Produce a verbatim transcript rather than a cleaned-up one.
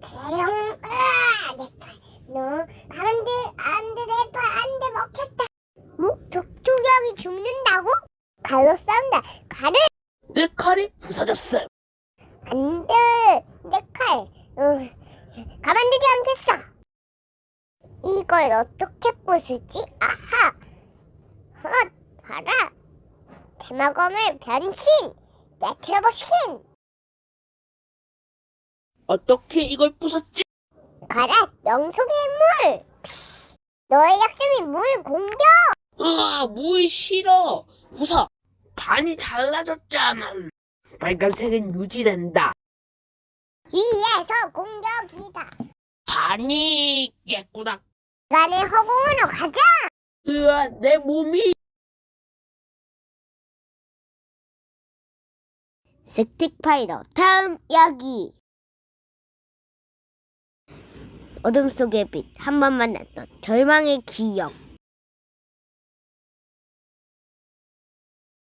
대령, 으아! 내 팔, 너, 가만들, 안 돼, 내 팔, 안 돼, 먹혔다. 뭐? 족족이 죽는다고? 칼로 싸운다. 칼을! 내 칼이 부서졌어. 안 돼, 내 칼. 어, 가만두지 않겠어. 이걸 어떻게 부수지? 아하! 헛, 봐라. 대마검을 변신! 깨트려버리긴! 어떻게 이걸 부쉈지? 가라, 영속의 물! 피시, 너의 약점이 물 공격! 으아, 물 싫어. 부서. 반이 잘라졌잖아. 빨간색은 유지된다. 위에서 공격이다. 반이 깼구나. 간의 허공으로 가자! 으아, 내 몸이. 스틱파이더 다음 이야기. 어둠 속의 빛, 한 번 만났던 절망의 기억.